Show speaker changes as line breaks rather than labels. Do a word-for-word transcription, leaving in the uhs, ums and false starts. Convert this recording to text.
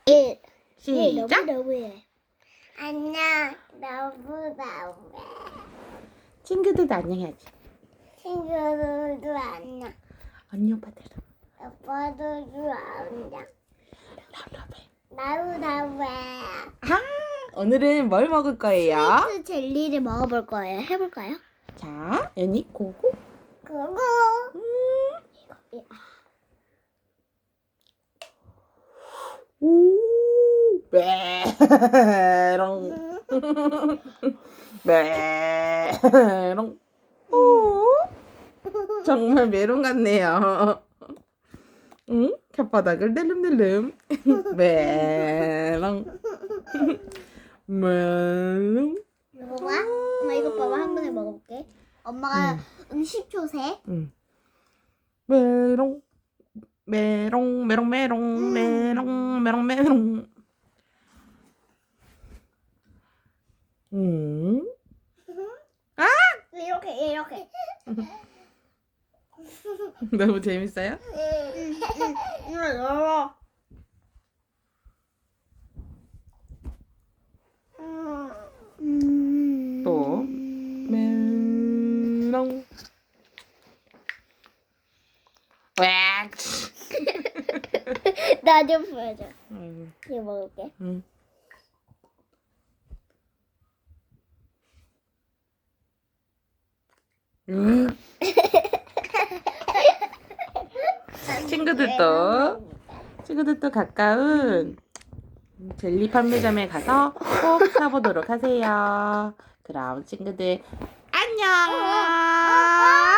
일.
시작.
너무너무해. 안녕. 너무너무해.
친구들도 안녕해야지.
친구들도 안녕.
언니 오빠들.
오빠들도 안녕.
러러베.
너무너무해.
아, 오늘은 뭘 먹을 거예요?
스위트 젤리를 먹어볼 거예요. 해볼까요?
자, 연이 고고.
그거.
음.
이거.
오, 메롱. 메롱. 오, 정말 메롱 같네요. 응? 혓바닥을 낼름낼름. 메롱. 메롱.
먹어봐. 엄마 이거 봐봐. 한 번에 먹어볼게. 엄마가 음. 십 초 세.
응. 메롱. 메롱 메롱 메롱
음.
메롱 메롱 메롱. 음. 아!
이렇게 이렇게.
너무 재밌어요?
이거 열어.
또 메롱. 왁.
나 좀 보여줘.
음.
이거 먹을게.
음. 음. 친구들도 친구들도 가까운 젤리 판매점에 가서 꼭 사보도록 하세요. 그럼 친구들 안녕.